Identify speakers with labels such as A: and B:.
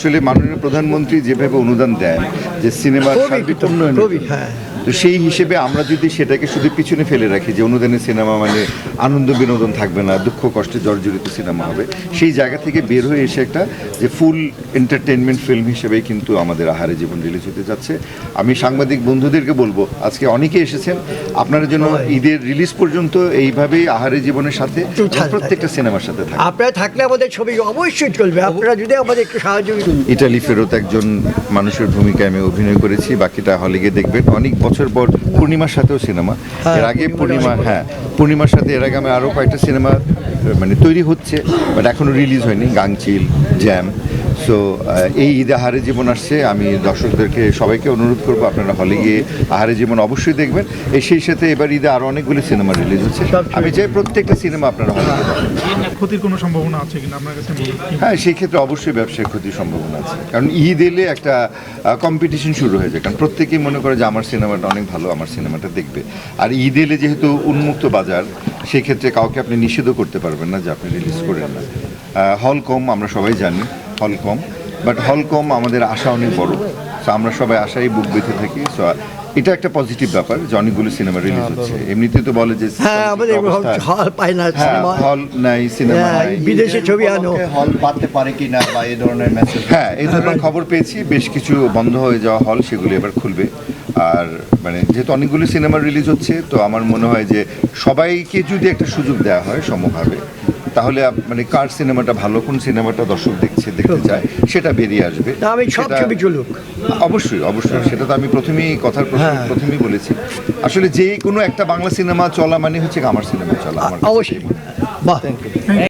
A: আসলে মাননীয় প্রধানমন্ত্রী যেভাবে অনুদান দেন যে সিনেমার সার্বিক উন্নয়ন, তো সেই হিসেবে আমরা যদি সেটাকে শুধু পিছনে ফেলে রাখি যে অনুদানের সিনেমা মানে আনন্দ বিনোদন থাকবে না, দুঃখ কষ্টে জর্জরিত সিনেমা হবে, সেই জায়গা থেকে বের হয়ে এসে একটা যে ফুল এন্টারটেনমেন্ট ফিল্ম হিসেবেই কিন্তু আমাদের আহারে জীবন রিলিজ হতে যাচ্ছে। আমি সাংবাদিক বন্ধুদেরকে বলবো, আজকে অনেকে এসেছেন, আপনারা যেন ঈদের রিলিজ পর্যন্ত এইভাবেই আহারে জীবনের সাথে প্রত্যেকটা সিনেমার সাথে থাকে।
B: আপনারা থাকলে আমাদের ছবি অবশ্যই চলবে, আপনারা যদি আমাদের একটু সাহায্য।
A: ইটালি ফেরত একজন মানুষের ভূমিকায় আমি অভিনয় করেছি, বাকিটা হলে গিয়ে দেখবেন। অনেক বছর পর পূর্ণিমার সাথেও সিনেমা, এর আগে পূর্ণিমার সাথে এর আগে আমি আরও কয়েকটা সিনেমা মানে তৈরি হচ্ছে, বাট এখনও রিলিজ হয়নি, গাংচিল, জ্যাম। সো এই ঈদে আহারে জীবন আসছে, আমি দর্শকদেরকে সবাইকে অনুরোধ করবো আপনারা হলে গিয়ে আহারে জীবন অবশ্যই দেখবেন। সেই সাথে এবার ঈদে আরও অনেকগুলি সিনেমা রিলিজ হচ্ছে, আমি চাই প্রত্যেকটা সিনেমা আপনারা হলে গিয়ে দেখেন।
C: ক্ষতির কোনো সম্ভাবনা আছে কিনা আপনার কাছে?
A: হ্যাঁ, সেই ক্ষেত্রে অবশ্যই ব্যবসায় ক্ষতির সম্ভাবনা আছে, কারণ ঈদ এলে একটা কম্পিটিশন শুরু হয়ে যায়, কারণ প্রত্যেকেই মনে করে যে আমার সিনেমাটা অনেক ভালো, আমার সিনেমাটা দেখবে। আর ঈদ এলে যেহেতু উন্মুক্ত বাজার, সেক্ষেত্রে কাউকে আপনি নিষেধও করতে পারবেন না যে আপনি রিলিজ করেন না। হল কম, আমরা সবাই জানি হল কম, বাট হল কম আমাদের আশা অনেক বড়। সো আমরা সবাই আশাই বুক বেঁধে থাকি। সো এটা একটা পজিটিভ ব্যাপার যে অনেকগুলো সিনেমা রিলিজ হচ্ছে। এমনিতেই তো বলে যে হল নাই, সিনেমা নাই,
B: বিদেশে ছবি আনো,
A: হল পাতে পারে কিনা বা এই ধরনের মেসেজ, হ্যাঁ এই ধরনের খবর পেয়েছি। বেশ কিছু বন্ধ হয়ে যাওয়া হল, সেগুলো এবার খুলবে। আর মানে যেহেতু অনেকগুলো সিনেমা রিলিজ হচ্ছে, তো আমার মনে হয় যে সবাইকে যদি একটা সুযোগ দেওয়া হয় সমভাবে, তাহলে মানে কার সিনেমাটা ভালো, কোন সিনেমাটা দর্শক দেখতে চায়, সেটা বেরিয়ে আসবে।
B: আমি সব ছবি চলুক,
A: অবশ্যই অবশ্যই, সেটা তো আমি প্রথমেই বলেছি। আসলে যে কোনো একটা বাংলা সিনেমা চলা মানে হচ্ছে আমার সিনেমা চলা, আমার
B: অবশ্যই। বাহ।